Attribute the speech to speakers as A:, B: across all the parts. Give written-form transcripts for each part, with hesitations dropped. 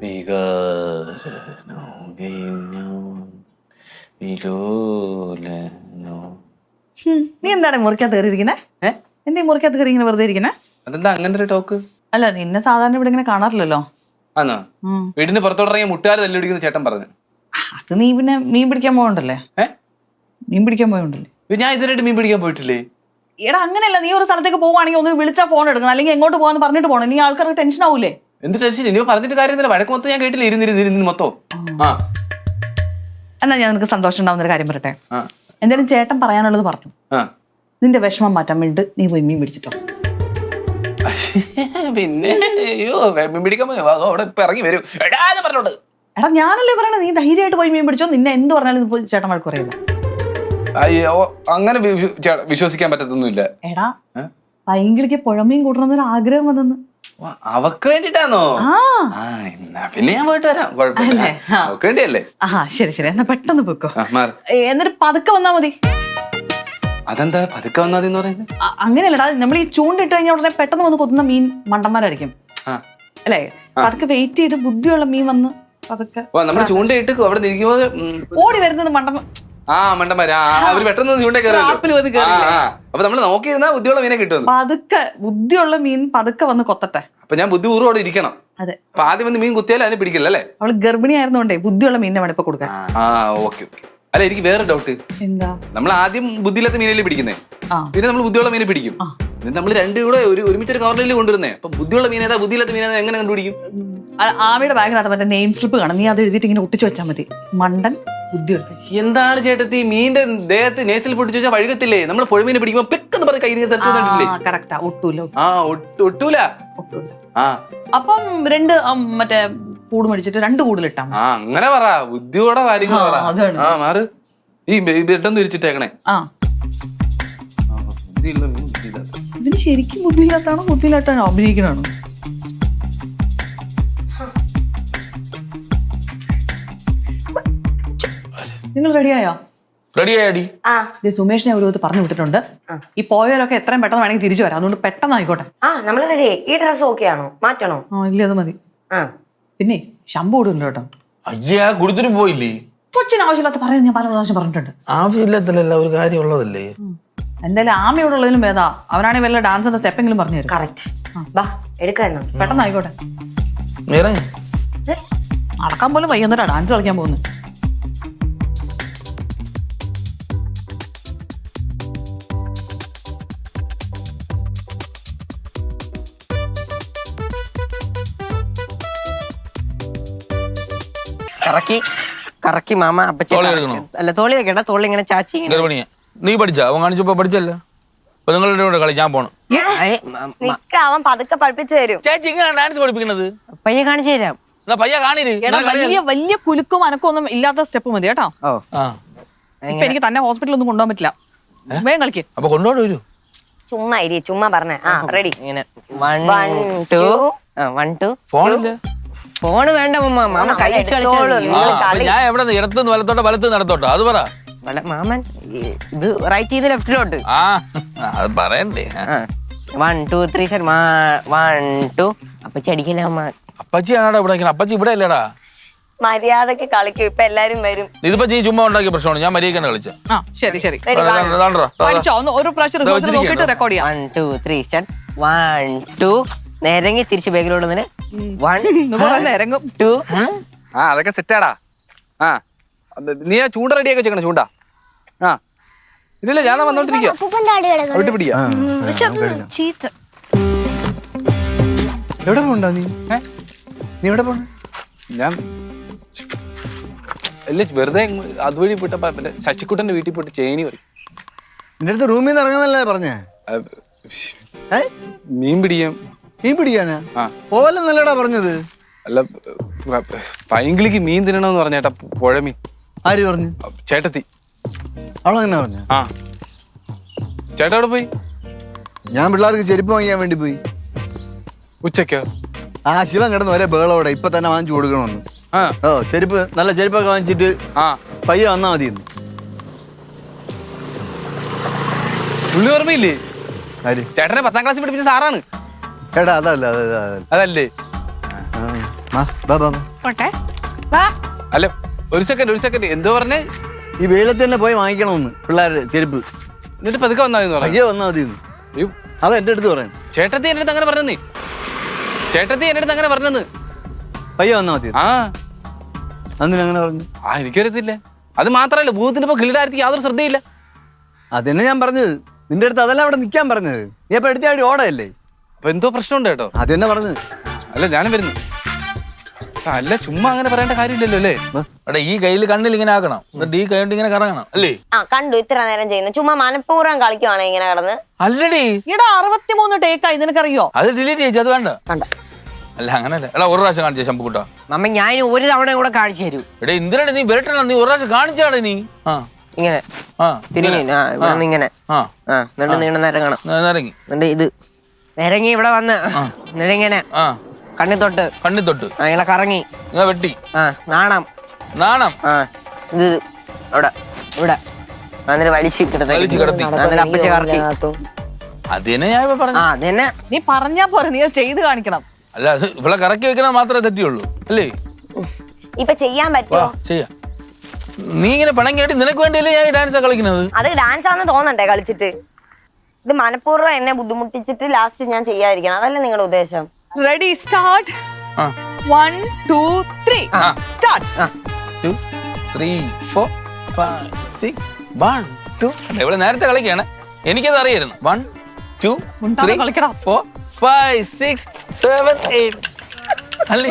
A: നീ എന്താണ് മുറിക്കകത്ത് കയറിയിരിക്കുന്നേ? എന്തീ മുറിക്കകത്ത് കയറി ഇങ്ങനെ വെറുതെ ഇരിക്കുന്നേ?
B: അതെന്താ അങ്ങനെ ഒരു ടോക്ക്?
A: അല്ല, നിന്നെ സാധാരണ ഇവിടെ ഇങ്ങനെ കാണാറില്ലല്ലോ.
B: ആന്നോ? വീടിന് പുറത്തോട്ടിറങ്ങിയ മുട്ടുകാർ തല്ലിടിക്കുന്ന ചേട്ടൻ പറഞ്ഞു.
A: അത് നീ പിന്നെ മീൻ പിടിക്കാൻ പോകണ്ടല്ലേ? മീൻ പിടിക്കാൻ പോയോണ്ടല്ലേ?
B: ഞാൻ ഇതിനായിട്ട് മീൻ പിടിക്കാൻ പോയിട്ടില്ലേ?
A: എടാ അങ്ങനെയല്ല, നീ ഒരു സ്ഥലത്തേക്ക് പോവാണെങ്കിൽ ഒന്ന് വിളിച്ചാൽ ഫോൺ എടുക്കണം, അല്ലെങ്കിൽ എങ്ങോട്ട് പോകാന്ന് പറഞ്ഞിട്ട് പോകണം. നീ ആൾക്കാർക്ക് ടെൻഷൻ ആവൂലേ?
B: എന്ത് ടെൻഷൻ? ഇനി പറഞ്ഞിട്ട് കാര്യമില്ല. വഴക്ക് മൊത്തം ഞാൻ കേട്ടില്ല. ഇരുന്നിരുന്ന് മൊത്തം.
A: എന്നാ ഞാൻ നിനക്ക് സന്തോഷം ഉണ്ടാവുന്ന ഒരു കാര്യം പറയട്ടെ. എന്തായാലും ചേട്ടൻ പറയാനുള്ളത് പറഞ്ഞു. നിന്റെ വിഷമം മാറ്റാൻ വേണ്ടി നീ പോയി മീൻ പിടിച്ചിട്ടോ.
B: പിന്നെ അയ്യോ മീൻ പിടിക്കാൻ അവിടെ ഇപ്പൊ ഇറങ്ങി വരും പറഞ്ഞോണ്ട്.
A: എടാ ഞാനല്ലേ പറയണത്, നീ ധൈര്യമായിട്ട് പോയി മീൻ പിടിച്ചോ. നിന്നെ എന്ത് പറഞ്ഞാലും ചേട്ടൻ വഴക്ക് പറയില്ല.
B: അയ്യോ അങ്ങനെ വിശ്വസിക്കാൻ പറ്റത്തൊന്നുമില്ല. എടാ
A: ഭയങ്കര പുഴമീൻ കൂട്ടണമെന്നൊരു ആഗ്രഹം വന്നെന്ന്.
B: അവക്ക് വേണ്ടിട്ടാണോ? പിന്നെ ഞാൻ പോയിട്ട് വരാം, കുഴപ്പമില്ല. അവക്ക് വേണ്ടിയല്ലേ?
A: ശരി ശരി, എന്നാ പെട്ടെന്ന് പോയിക്കോ. എന്നിട്ട് പതുക്കെ വന്നാ മതി.
B: അതെന്താ പതുക്കെ വന്നാ മതി എന്ന് പറയുന്നത്?
A: അങ്ങനെയല്ലടാ, നമ്മൾ ഈ ചൂണ്ടിട്ട് കഴിഞ്ഞാൽ ഉടനെ പെട്ടെന്ന് വന്ന് കൊത്തുന്ന മീൻ മണ്ടന്മാരായിരിക്കും അല്ലേ? പതുക്കെ വെയിറ്റ് ചെയ്ത് ബുദ്ധിയുള്ള മീൻ വന്ന് പതുക്കെ
B: നമ്മള് ചൂണ്ടയിട്ട് അവിടെ നിൽക്കുമ്പോ
A: ഓടി വരുന്നത്
B: മണ്ടന്മാര് അവര് പെട്ടെന്ന് ചൂണ്ട കയറുമല്ലോ. അപ്പൊ നമ്മള് നോക്കിയിരുന്നാ ബുദ്ധിയുള്ള മീനെ കിട്ടും.
A: പതുക്കെ ബുദ്ധിയുള്ള മീൻ പതുക്കെ വന്ന് കൊത്തട്ടെ.
B: അപ്പൊ ഞാൻ ബുദ്ധിപൂർവ്വം അവിടെ ഇരിക്കണം.
A: അതെ,
B: അപ്പൊ ആദ്യം വന്ന് മീൻ കുത്തിയാലും അതിന് പിടിക്കില്ല അല്ലേ?
A: അവള് ഗർഭിണി ആയിരുന്നോണ്ടേ ബുദ്ധിയുള്ള മീനിനെ വേണം ഇപ്പൊ കൊടുക്കാൻ.
B: ഓക്കെ. അല്ല, എനിക്ക് വേറെ ഡൗട്ട്.
A: എന്താ?
B: നമ്മൾ ആദ്യം ബുദ്ധിയില്ലാത്ത മീനല്ലേ പിടിക്കുന്നേ, പിന്നെ നമ്മൾ ബുദ്ധിയുള്ള മീനെ പിടിക്കും. നമ്മൾ രണ്ടും കൂടെ ഒരുമിച്ചൊരു കവറിൽ കൊണ്ടുവരുന്നേ. അപ്പൊ ബുദ്ധിയുള്ള മീനേതാ ബുദ്ധിയില്ലാത്ത മീനേതാ എങ്ങനെ കണ്ടുപിടിക്കും?
A: ആമിയുടെ ബാഗിനകത്ത് മറ്റേ നെയിം സ്ലിപ്പ് കാണും, നീ അത് എഴുതിയിട്ട് ഇങ്ങനെ ഒട്ടിച്ചു വെച്ചാൽ മതി. മണ്ടൻ ബുദ്ധിയുള്ള.
B: എന്താണ് ചേട്ടത്തി മീന്റെ ദേഹത്ത് നേസിൽ പൊട്ടിച്ചു വെച്ചാൽ വഴുകത്തില്ലേ? നമ്മൾ പുഴമീനെ പിടിക്കുമ്പോ പെക്കെന്ന് പറഞ്ഞ കൈ
A: കറക്റ്റാ, ഒട്ടൂല.
B: ഒട്ടൂല.
A: അപ്പം രണ്ട് മറ്റേ കൂട് മേടിച്ചിട്ട് 2 കൂടുതലിട്ടാ.
B: അങ്ങനെ പറ, ബുദ്ധിയോടെ കാര്യങ്ങൾ പറ. മാറ് ഈ ബ്രെഡൊന്നും തിരിച്ചിട്ടേക്കണേ.
A: ഇതിന് ശരിക്കും ബുദ്ധിയില്ലാത്താണോ ബുദ്ധിയില്ലാത്താണോ അഭിനയിക്കണാണോ? നിങ്ങൾ റെഡിയായോ?
B: റെഡിയായി.
A: സുമേഷിനെ ഒരു പറഞ്ഞു വിട്ടിട്ടുണ്ട്. ഈ പോയവരൊക്കെ എത്രയും പെട്ടെന്ന് വേണമെങ്കിൽ തിരിച്ചു വരാം, അതുകൊണ്ട് പെട്ടെന്ന് ആയിക്കോട്ടെ.
C: നമ്മള് റെഡി. ഈ ഡ്രസ് ഓക്കെ ആണോ? മാറ്റണോ?
A: ഇല്ല, അത് മതി. പിന്നെ ശമ്പു കൂടുണ്ട് കേട്ടോ.
B: അയ്യാ കൊടുത്തിട്ട് പോയില്ലേ?
A: കൊച്ചിന് ആവശ്യമില്ലാത്ത പറയുന്നത് ഞാൻ പല പ്രാവശ്യം പറഞ്ഞിട്ടുണ്ട്.
B: ആവശ്യമില്ലാത്തല്ല, ഒരു കാര്യം ഉള്ളതല്ലേ.
A: എന്തായാലും ആമയോടെ ഉള്ളതിലും ഭേദാ അവനാണെങ്കിൽ വല്ല ഡാൻസിന്റെ സ്റ്റെപ്പെങ്കിലും പറഞ്ഞു തരും.
C: കറക്റ്റ്. എടുക്കാന്നോ?
A: പെട്ടെന്ന് ആയിക്കോട്ടെ. നടക്കാൻ പോലും വൈകുന്നേരം ഡാൻസ് കളിക്കാൻ പോകുന്നു.
D: കറക്കി മാമ അല്ല തോളി വെക്കണ്ട, തോളി ഇങ്ങനെ ചാച്ചി.
B: നീ പഠിച്ചാ? അവൻ കാണിച്ചപ്പോ പഠിച്ചല്ലോ. അപ്പൊ നിങ്ങളുടെ കൂടെ കളി ഞാൻ പോണം.
C: അവൻ പതുക്കെ പഠിപ്പിച്ചു തരും.
B: ചേച്ചി ഇങ്ങനെ ഡാൻസ് പഠിപ്പിക്കണത്
D: പയ്യെ കാണിച്ചു തരാം.
B: പയ്യ കാണിര്.
A: വലിയ കുലുക്കും അനക്കും ഒന്നും ഇല്ലാത്ത സ്റ്റെപ്പ് മതി കേട്ടോ. ഇപ്പൊ എനിക്ക് തന്നെ ഹോസ്പിറ്റലിൽ ഒന്നും കൊണ്ടുപോകാൻ പറ്റില്ല. വേഗം കളിക്ക്.
B: അപ്പൊ കൊണ്ടുപോയി വരൂ.
C: ചുമ്മാ ഇരി, ചുമ്മാ പറഞ്ഞേ. റെഡി.
D: ഇങ്ങനെ 1 2 1 2. ഫോണ് വേണ്ട മാമ, കൈ വെച്ച് കളിച്ചോളൂ.
B: ഞാൻ എവിടെ ഇടത്തുനിന്ന് വലത്തോട്ടോ വലത്തുനിന്ന് നടത്തോട്ടോ അത് പറ.
D: മാമൻ ഇത് റൈറ്റ് ചെയ്ത് ലെഫ്റ്റിലോട്ട്.
B: അത് പറയണ്ടേ.
D: 1 2 3 ശരി. 1 2. അപ്പച്ചി അടിക്കില്ല അമ്മ.
B: അപ്പച്ചിയാണോ ഇവിടെ? അപ്പച്ചി ഇവിടെ അല്ലേടാ.
C: മര്യാദക്ക് കളിക്കും. ഇപ്പൊ എല്ലാരും വരും.
B: ഇതിപ്പോ നീ ചുമ്മാ ഉണ്ടാക്കിയ പ്രശ്നമാണ്. ഞാൻ മര്യാദക്കാണ് കളിച്ച.
A: ശരി ശരി, ഒരു പ്രാവശ്യം റെക്കോർഡ് ചെയ്യാം.
D: 1 2 3 സ്റ്റാർട്ട്. 1 2. നേരങ്ങി തിരിച്ച് ബാഗിലോട്ട് 1 2.
B: അതൊക്കെ സെറ്റാടാ. നീ ആ ചൂണ്ട റെഡിയാക്കി വെച്ചേക്കണം. ചൂണ്ട ഇല്ല, ഞാൻ വന്നോണ്ടിരിക്കുക.
E: എവിടെ പോണ്ടാ നീ? നീ എവിടെ പോണ?
B: ഞാൻ അല്ലേ വെറുതെ അതുവഴി പോയിട്ടപ്പോ ശശിക്കുട്ടന്റെ വീട്ടിൽ പോയിട്ട് ചേനി പറയും.
E: നിന്റെ അടുത്ത് റൂമിൽ നിന്ന് ഇറങ്ങുന്നല്ലേ പറഞ്ഞേ?
B: മീൻ പിടിക്കാം.
E: മീൻ പിടിക്കാനാ? പോലെ നല്ലടാ പറഞ്ഞത്.
B: അല്ല, പൈങ്കിളിക്ക് മീൻ തിന്നണമെന്ന് പറഞ്ഞേട്ടാ. പുഴമീൻ.
E: ആര് പറഞ്ഞു?
B: ചേട്ടത്തി.
E: അവളെങ്ങനെ പറഞ്ഞ?
B: ചേട്ടാ എവിടെ പോയി?
E: ഞാൻ പിള്ളേർക്ക് ചെരുപ്പ് വാങ്ങിക്കാൻ വേണ്ടി പോയി.
B: ഉച്ചക്കോ?
E: ശിവൻ കിടന്ന് ഒരേ ബേളോടെ ഇപ്പൊ തന്നെ വാങ്ങിച്ചു കൊടുക്കണമെന്ന്. ചെരുപ്പ് നല്ല ചെരുപ്പൊക്കെ വാങ്ങിച്ചിട്ട് പയ്യെ വന്നാ മതി.
B: പുള്ളി ഓർമ്മയില്ലേ?
E: ആര്?
B: ചേട്ടനെ 10ാം ക്ലാസ്സിൽ പഠിപ്പിച്ച സാറാണ്.
E: ചേട്ടാ അതല്ല.
B: അതല്ലേ?
A: പോട്ടെ വാ.
B: അല്ല ഒരു സെക്കൻഡ് എന്തോ പറഞ്ഞേ?
E: ഈ വെയിലത്ത് തന്നെ പോയി വാങ്ങിക്കണമെന്ന് പിള്ളേരുടെ ചെരുപ്പ്.
B: എന്നിട്ട് പതുക്കെ വന്നാന്ന് പറഞ്ഞു.
E: പയ്യെ വന്നാൽ മതി. അത് എൻ്റെ അടുത്ത് പറയാൻ.
B: ചേട്ടത്തി എൻ്റെ അടുത്ത് അങ്ങനെ പറഞ്ഞെന്ന്.
E: പയ്യെ വന്നാൽ മതി.
B: ആ
E: അന്നിനങ്ങനെ പറഞ്ഞു.
B: എനിക്കറിയത്തില്ല. അത് മാത്രല്ല ഭൂതത്തിന്റെ ഇപ്പൊ കിളിയുടെ യാതൊരു ശ്രദ്ധയില്ല.
E: അതന്നെ ഞാൻ പറഞ്ഞത്. നിന്റെ അടുത്ത് അതല്ല അവിടെ നിൽക്കാൻ പറഞ്ഞത്. നീ അപ്പൊ എടുത്താടി ഓടയല്ലേ?
B: അപ്പൊ എന്തോ പ്രശ്നമുണ്ട് കേട്ടോ.
E: അത് തന്നെ പറഞ്ഞത്.
B: അല്ല ഞാനും വരുന്നു. അല്ല ചുമ്മാ അങ്ങനെ പറയേണ്ട കാര്യമില്ലല്ലോ അല്ലേ?
F: എടാ ഈ കയ്യിൽ കണ്ണിൽ ഇങ്ങനെ ആക്കണം, എന്നിട്ട് ഈ കൈ കൊണ്ട് ഇങ്ങനെ കറങ്ങണം അല്ലേ?
C: ആ കണ്ടു ഇത്ര നേരം ചെയ്യുന്നു. ചുമ്മാ മനഃപൂർവ്വം കളിക്കുവാണ് ഇങ്ങനെ കിടന്ന്.
F: അല്ലടി
A: ഈടാ 63 ടേക്കായി, നിനക്കറിയോ?
F: അത് ഡിലീറ്റ് ചെയ്തു. അത് വേണ്ട.
C: കണ്ട
F: അല്ല അങ്ങനല്ല. എടാ ഒരു പ്രാവശ്യം കാണിച്ചേ ശമ്പുക്കുട്ടാ.
D: മമ്മ ഞാൻ ഒരു തവണ കൂടെ കാണിച്ചു തരൂ.
F: എടാ എന്തിനാണ് നീ വരട്ടണ? നീ ഒരു പ്രാവശ്യം കാണിച്ചാടെ നീ. ആ
D: ഇങ്ങനെ
F: ആ
D: തിരിഞ്ഞു ഇവിടെ നിന്ന് ഇങ്ങനെ
F: ആ
D: എന്നിട്ട് നീണ്ട നിരങ്ങണം.
F: ഇറങ്ങി
D: എന്നിട്ട് ഇത് നിരങ്ങി ഇവിടെ വന്ന് എന്നിട്ട് ഇങ്ങനെ
F: ആ
D: കണ്ണി തൊട്ട് ഇങ്ങനെ കറങ്ങി
F: വെട്ടി.
D: നാണം ഇത് അവിടെ ഇവിടെ എന്നിട്ട് വലിച്ചു
F: കിടത്തി.
D: അപ്പച്ച കറക്കി.
F: അത് തന്നെ ഞാൻ ഇപ്പൊ പറഞ്ഞു.
D: അതന്നെ
A: നീ പറഞ്ഞാ പോരെ, നീ അത് ചെയ്ത് കാണിക്കണം.
F: അല്ല അത് ഇവിടെ കറക്കി വെക്കണത് മാത്രമേ തെറ്റിയുള്ളൂ അല്ലേ?
C: ഇപ്പൊ ചെയ്യാൻ പറ്റുമോ?
F: ചെയ്യാം. നീ ഇങ്ങനെ പണം കേട്ടി നിനക്ക് വേണ്ടിയല്ലേ ഞാൻ ഈ ഡാൻസ് കളിക്കുന്നത്?
C: അത് ഡാൻസ് ആണെന്ന് തോന്നണ്ടേ കളിച്ചിട്ട്? ഇത് മനഃപൂർവ്വം എന്നെ ബുദ്ധിമുട്ടിച്ചിട്ട് ലാസ്റ്റ് ഞാൻ ചെയ്യാതിരിക്കണം, അതല്ലേ നിങ്ങളുടെ ഉദ്ദേശം?
A: Ready start. 1 2 3 സ്റ്റാർട്ട്.
F: 2 3 4 5 6 1 2. ഇവിടെ നേരത്തെ കളിക്കാണ്, എനിക്കത് അറിയായിരുന്നു. 1 2 3
A: കളിക്കണം.
F: 4 5 6 7 8 അല്ലേ?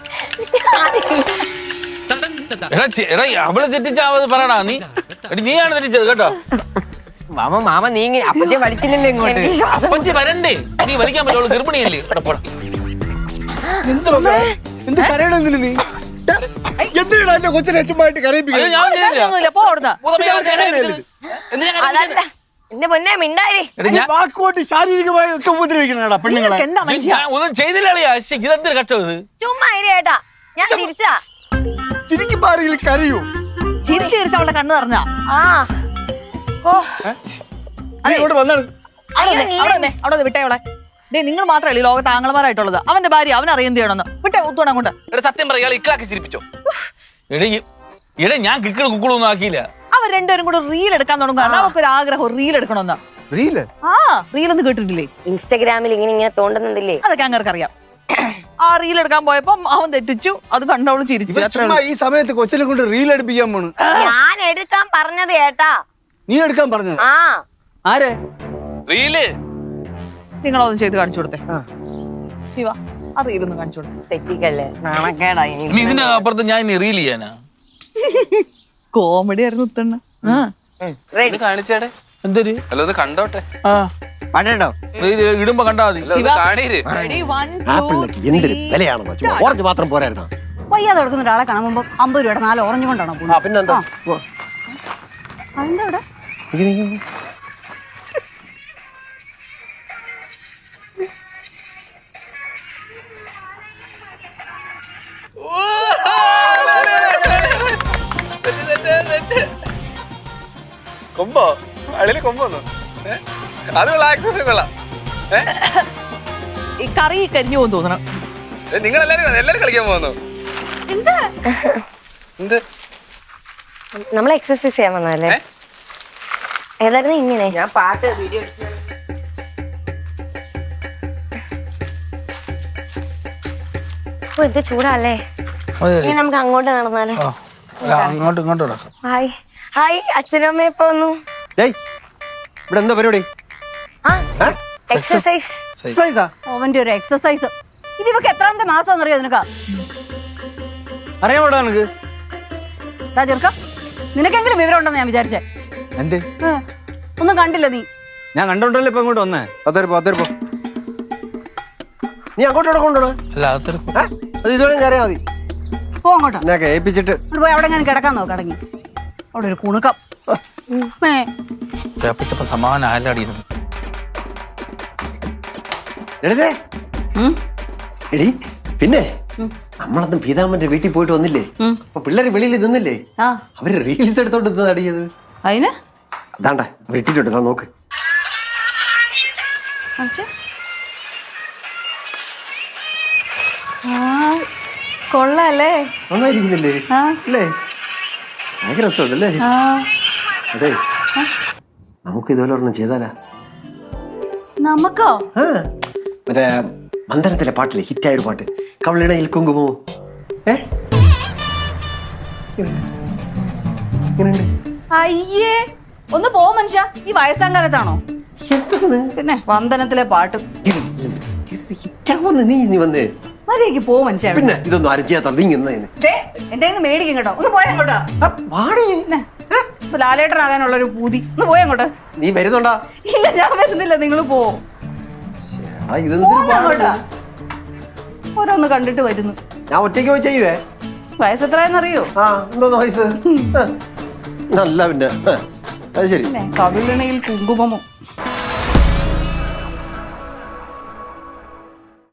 F: എടാ അവളെ തെറ്റിച്ചാവത് പറയടാ നീ. നീയാണ് തെറ്റിച്ചത് കേട്ടോ.
D: മാമ നീ അപ്പച്ചെ വലിച്ചില്ലല്ലോ ഇങ്ങോട്ട്.
F: അപ്പച്ചി വരണ്ടേ? നീ വലിക്കാൻ പറ്റുള്ളൂ, ഗർഭിണിയല്ലേ?
E: എന്ത് കരയണെന്നില്ല നീ? എന്തിനാ എന്റെ കൊച്ചിനെ ചുമ്മായിട്ട് കരയിപ്പിക്കുന്നത്?
F: ഞാൻ ചെയ്തില്ല.
A: ഒന്നുമില്ല, പോ അവിടുന്ന്.
C: അതല്ല എന്റെ പൊന്നെ മിണ്ടായി.
E: വാക്കുകൊണ്ട് ശാരീരികമായി ഒക്കെ ഉപദ്രവിക്കണടാ പെണ്ണുങ്ങളെ.
A: നിങ്ങൾക്ക് എന്താ മനുഷ്യ?
F: ഒന്നും ചെയ്തില്ല. ഇതെന്തൊരു കഷ്ടം ഇത്.
C: ചുമ്മാ ഇരി ഏട്ടാ, ഞാൻ തിരിച്ചാ.
E: ചിരിക്കുമ്പോ ആരെങ്കിലും കരയൂ?
A: ചിരിച്ച് ചിരിച്ച് അവളുടെ കണ്ണ് നിറഞ്ഞാ.
C: ആ ഓ
E: നീ ഇങ്ങോട്ട് വന്നാണ്.
A: അവിടെ വിട്ടേ അവളെ. ഡേ നിങ്ങൾ മാത്രമല്ല ഈ ലോകത്ത് ആംഗളമാരായിട്ടുള്ളത്. അവന്റെ ഭാര്യ അവൻ അറിയുന്നത് ചെയ്യണമെന്ന് വിട്ടേ. ഒത്തുകൊണ്ട് അങ്ങോട്ട്.
B: സത്യം പറയാ ഇക്കളാക്കി ചിരിപ്പിച്ചോ?
F: എടേ ഞാൻ കിക്കിള് കുക്കിളൊന്നും ആക്കിയില്ല.
A: അവർ രണ്ടുപേരും കൂടെ റീൽ എടുക്കാൻ തുടങ്ങും. കാരണം അവർക്കൊരു ആഗ്രഹം റീൽ എടുക്കണമെന്ന്. റീൽ ഒന്ന് കേട്ടിട്ടില്ലേ?
C: ഇൻസ്റ്റാഗ്രാമിൽ ഇങ്ങനെ തോണ്ടുന്നുണ്ടല്ലേ?
A: അതൊക്കെ അങ്ങർക്ക് അറിയാം. ആ റീൽ എടുക്കാൻ പോയപ്പോ അവൻ തെറ്റിച്ചു, അത് കണ്ടവള് ചിരിച്ചു.
E: ഈ സമയത്ത് കൊച്ചിനെ കൊണ്ട് റീൽ എടുപ്പിക്കാൻ പോണു.
C: ഞാൻ എടുക്കാൻ പറഞ്ഞത് ഏട്ടാ.
E: നീ എടുക്കാൻ പറഞ്ഞത്?
C: ആ
E: ആരെ?
B: റീല്
A: നിങ്ങളതൊന്നും ചെയ്ത് കാണിച്ചു കൊടുത്തേ. ശിവ ആ റീലൊന്നും കാണിച്ചു കൊടുത്തേ.
C: തെറ്റിക്കല്ലേ, നാണക്കേടായി.
F: ഇനി ഇതിന്റെ അപ്പുറത്ത് ഞാൻ ഇനി റീൽ ചെയ്യാനാ?
A: കോമഡി ആയിരുന്നു ഉത്തണ്ണ.
C: റെഡി
B: കാണിച്ചേടെ.
F: എന്തൊരു
B: അല്ല ഒന്ന് കണ്ടോട്ടെ.
D: പാട്ടോ
F: ഇടുമ്പോ കണ്ടാ മതി.
B: കാണീര്.
G: എന്തൊരു വിലയാണെന്നോ? ചുമ്മാ ഓറഞ്ച് മാത്രം പോരായിരുന്നോ?
H: വയ്യാതെ കൊടുക്കുന്ന ഒരാളെ കാണുമ്പോ 50 രൂപയുടെ 4 ഓറഞ്ച് കൊണ്ടാണോ പോകുന്നത്?
G: പിന്നെന്താ?
H: അതെന്താ ഇവിടെ?
B: കൊമ്പോ അളിയില് കൊമ്പോന്നു. അത് കൊള്ളാം, എക്സ്പ്രഷൻ കൊള്ളാം.
A: ഈ കറി കരിഞ്ഞു പോകുന്നു തോന്നണം.
B: നിങ്ങളെല്ലാരും കളിക്കാൻ പോകുന്നു. എന്ത്
C: നമ്മൾ എക്സസൈസ് ചെയ്യാൻ വന്നല്ലേ? ഏതായിരുന്നു ഇങ്ങനെ?
D: ഞാൻ പാട്ട് വീഡിയോ
C: ഓ ഇത് ചൂടല്ലേ? ഇനി നമുക്ക് അങ്ങോട്ട് നടന്നാലോ?
F: അങ്ങോട്ടും ഇങ്ങോട്ടും നടക്കാം.
C: ഹായ് ഹായ്, അച്ഛനും അമ്മയും ഇപ്പൊ വന്നു.
G: ഇവിടെ എന്താ പരിപാടി?
C: എക്സസൈസ്.
H: അവന്റെ ഒരു എക്സസൈസ്. ഇതിവക്ക് എത്രാമത്തെ മാസം അറിയോ നിനക്ക്?
E: അറിയാമോടാ നിനക്ക്?
H: ചെറുക്ക നിനക്കെങ്കിലും വിവരം ഉണ്ടെന്ന് ഞാൻ വിചാരിച്ചേ.
E: എന്ത്?
H: ഒന്നും കണ്ടില്ല നീ?
E: ഞാൻ കണ്ടോണ്ടല്ലേ ഇപ്പൊ ഇങ്ങോട്ട് വന്നേ.
G: അതേപ്പോ നീ അങ്ങോട്ടോടെ കൊണ്ടോണോ?
F: അല്ല അതൊരു
G: അത് ഇതുവരെ കയറിയാ മതി.
H: പോ അങ്ങോട്ടാ.
G: എന്നെ ഏൽപ്പിച്ചിട്ട്
H: പോയി അവിടെ ഞാൻ കിടക്കാൻ നോക്ക്. അടങ്ങി അവിടെ ഒരു കുണുക്കം.
F: സമാധാനം ആലാടിയിരുന്നു.
G: എടി പിന്നെ നമ്മളന്ന് പീതാമ്മന്റെ വീട്ടിൽ പോയിട്ട് വന്നില്ലേ? അപ്പൊ പിള്ളേര് വെളിയിൽ നിന്നില്ലേ? അവര് റീൽസ് എടുത്തോണ്ട് അടിയത്.
H: അതിന്
G: അതാണ്ട വെട്ടിട്ടുണ്ട്. നോക്ക്.
A: കൊള്ളാല്ലേ?
G: നന്നായിരിക്കുന്നില്ലേ
A: ആ.
G: അല്ലേ? ഭയങ്കര രസമുണ്ടല്ലേ?
A: ആ.
G: അതെ, നമുക്ക് ഇതുപോലെ ഒരെണ്ണം ചെയ്താലാ?
A: നമുക്കോ?
G: ആ, മറ്റേ മന്ദനത്തിലെ പാട്ടില്ലേ, ഹിറ്റായ ഒരു പാട്ട്, കവളിണയിൽ കുങ്കുമോ.
A: അയ്യേ, ഒന്ന് പോ മനുഷ്യ. ഈ വയസ്സാം കാലത്താണോ?
G: എന്താണ്
A: പിന്നെ വന്ദനത്തിലെ പാട്ട്.
G: ഹിറ്റാവുന്ന നീ വന്ന്
A: മര്യാദക്ക് പോ മനുഷ്യ.
G: പിന്നെ ഇതൊന്നും ആരും ചെയ്യാത്തോളൂ, നീ ഇന്ന്
A: എന്റെ മേടിക്കും കേട്ടോ. ഒന്ന് പോയാ അങ്ങോട്ടാ.
G: വാടേ.
A: ലാലേട്ടനാകാനുള്ള ഒരു പൂതി. ഒന്ന് പോയാ അങ്ങോട്ട്.
G: നീ വരുന്നുണ്ടാ?
A: ഇല്ല, ഞാൻ വരുന്നില്ല. നിങ്ങൾ പോ.
G: ഇതെന്തൊരു
A: ഓരോന്ന് കണ്ടിട്ട് വരുന്നു.
G: ഞാൻ ഒറ്റയ്ക്ക് പോയി ചെയ്യുവേ.
A: വയസ്സെത്രയെന്നറിയോ?
G: ആ, എന്തോന്ന് വയസ്സ്? നല്ല പിന്നെ അത് ശരി.
A: കവിളിണയിൽ കുങ്കുമമോ.